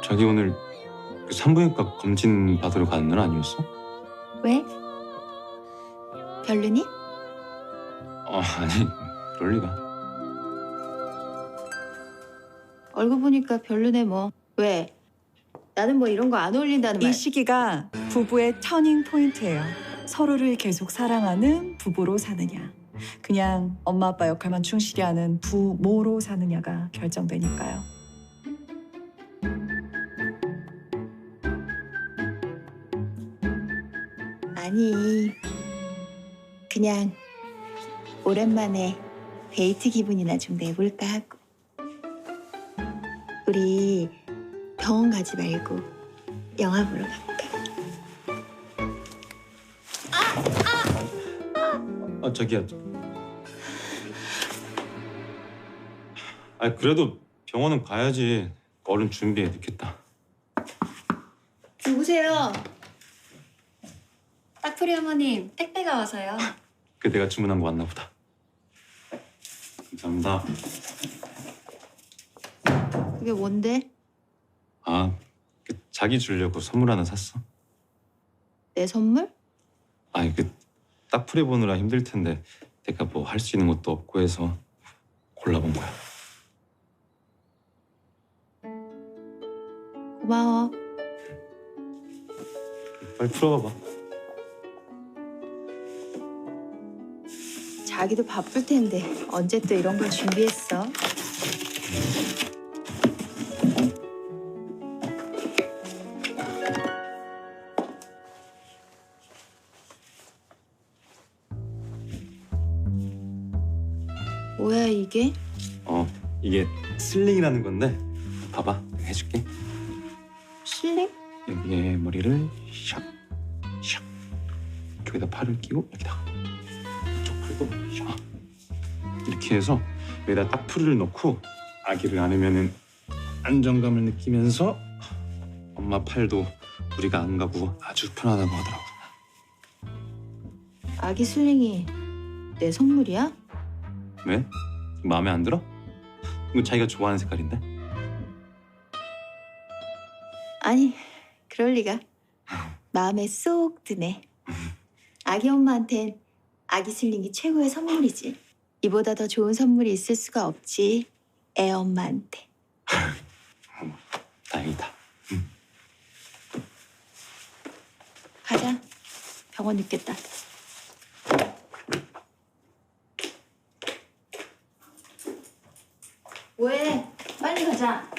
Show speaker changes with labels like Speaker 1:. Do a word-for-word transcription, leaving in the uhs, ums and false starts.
Speaker 1: 자기 오늘 그 산부인과 검진 받으러 가는 날 아니었어?
Speaker 2: 왜? 별로니?
Speaker 1: 어, 아니, 그럴 리가.
Speaker 2: 얼굴 보니까 별로네 뭐. 왜? 나는 뭐 이런 거 안 어울린다는 말.
Speaker 3: 이 시기가 부부의 터닝 포인트예요. 서로를 계속 사랑하는 부부로 사느냐, 그냥 엄마 아빠 역할만 충실히 하는 부모로 사느냐가 결정되니까요.
Speaker 2: 아니, 그냥 오랜만에 데이트 기분이나 좀 내볼까 하고. 우리 병원 가지 말고 영화 보러 갈까?
Speaker 1: 아, 자기야. 아, 그래도 병원은 가야지. 얼른 준비해, 늦겠다.
Speaker 2: 누구세요? 딱풀이 어머님, 택배가 와서요.
Speaker 1: 그 내가 주문한 거 왔나 보다. 감사합니다.
Speaker 2: 그게 뭔데?
Speaker 1: 아, 그 자기 주려고 선물 하나 샀어.
Speaker 2: 내 선물?
Speaker 1: 아니, 그 딱풀이 보느라 힘들 텐데 내가 뭐 할 수 있는 것도 없고 해서 골라본 거야.
Speaker 2: 고마워.
Speaker 1: 빨리 풀어봐봐.
Speaker 2: 자기도 바쁠 텐데 언제 또 이런 걸 준비했어? 뭐야 이게?
Speaker 1: 어, 이게 슬링이라는 건데 봐봐, 내가 해줄게.
Speaker 2: 실링?
Speaker 1: 여기에 머리를 샥, 샥. 여기다 팔을 끼고 여기다가 이쪽 팔도 샥. 이렇게 해서 여기다 딱풀이를 넣고 아기를 안으면은 안정감을 느끼면서 엄마 팔도 무리가 안 가고 아주 편하다고 하더라고.
Speaker 2: 아기 슬링이 내 선물이야?
Speaker 1: 왜? 마음에 안 들어? 이거 자기가 좋아하는 색깔인데?
Speaker 2: 아니, 그럴 리가. 마음에 쏙 드네. 아기 엄마한텐 아기 슬링이 최고의 선물이지. 이보다 더 좋은 선물이 있을 수가 없지. 애 엄마한테.
Speaker 1: 다행이다. 응.
Speaker 2: 가자. 병원 늦겠다. 왜? 빨리 가자.